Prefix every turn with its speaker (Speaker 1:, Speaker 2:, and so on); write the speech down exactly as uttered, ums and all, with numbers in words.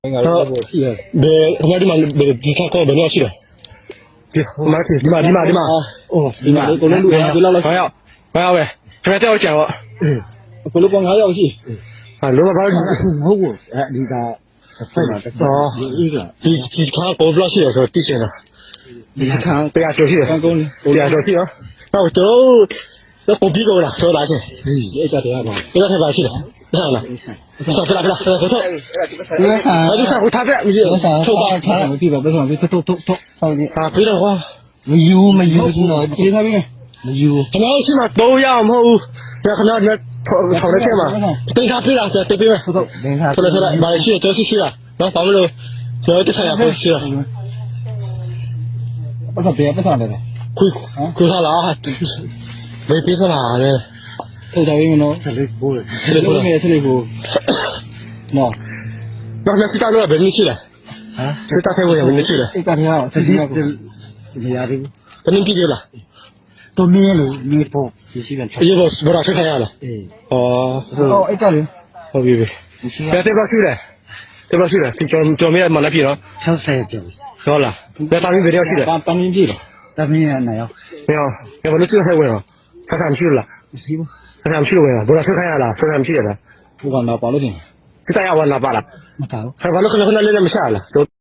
Speaker 1: 好，别，我们这嘛别只看高本料去了，别，我们去，你嘛你嘛你嘛，
Speaker 2: 哦，ဒီမှာကိုလည်းလူရပြီလောက်လောက်
Speaker 1: 还要还要呗，这边带我捡我，
Speaker 2: ကိုလည်းပေါင်း၅ရောက်ရှိ
Speaker 1: 啊，如果把
Speaker 2: မဟုတ်ဘူးအဲဒီကဖိုက်မှာတက်တော့ဒီက
Speaker 1: 你你看高不料去的时候，地形了，
Speaker 2: ဒီခံ
Speaker 1: 对呀，就是，
Speaker 2: ကံကုန်း
Speaker 1: 对呀，就是啊，那我都那狗逼狗了，说拿去，
Speaker 2: ဒီအဲ့တရားပါ
Speaker 1: 不要太白去了，上了，上不啦不啦，回头，
Speaker 2: ဒီကဆန်
Speaker 1: 啊，就上回他这，你
Speaker 2: ဒီကဆန်
Speaker 1: 臭
Speaker 2: ထုတ်ပါ
Speaker 1: 吧，
Speaker 2: ထားမပြပါဘယ်ဆောင်ပြထုတ်ထုတ်ထုတ်ထုတ်ဒီ
Speaker 1: 啊，别的话。
Speaker 2: မယူမယူဘူးနော်ဒီသားပြီးမယူ
Speaker 1: 他们起码都要么，那可能那炒炒的天嘛，跟他对了，对对对嘛，
Speaker 2: ထုတ်ထုတ်ဒင်္ဂါ
Speaker 1: 出来出来，马来西亚都是去了，然后咱们都主要这三样都去了，
Speaker 2: ပတ်စပ်ပြပတ်စပ်တယ်
Speaker 1: 亏亏他了啊，没别说了，这
Speaker 2: ထုတ်ထားပြီးမနော်ဆက်လေးပိုးတယ်ဆက်လေးပိုးမယ်ဆက်လေးပိုးနော်
Speaker 1: 那那是大陆本地去了，
Speaker 2: ဟမ်
Speaker 1: 是大泰国也本地去了，
Speaker 2: အဲ့ကတရားဆက်လေးကိုမရသေးဘူး
Speaker 1: 本地毕业了，
Speaker 2: တော့မင်းလေနေဖို့ရှိပြန်ချက်
Speaker 1: 也不不让谁看见了，
Speaker 2: အေး
Speaker 1: 哦，
Speaker 2: ဟောအဲ့ကလေ
Speaker 1: 好别别，
Speaker 2: မရှိ
Speaker 1: 别对不去了，对不去了，叫叫咩马来皮了，
Speaker 2: ၆၀ကျော်
Speaker 1: 好了，别大陆别要去了，
Speaker 2: တန်းင်းကြည့်တော့တမင်းရနိုင်ရော
Speaker 1: 没有，要不那这太稳了，他上去了。
Speaker 2: မရှိဘူး
Speaker 1: 他上去了没有？不让谁看见了，谁上去了？
Speaker 2: ဘုကတော့ပါလို့တင်
Speaker 1: 这大家玩哪罢了？
Speaker 2: မတော်
Speaker 1: 还完了，可能可能来那么下了，都。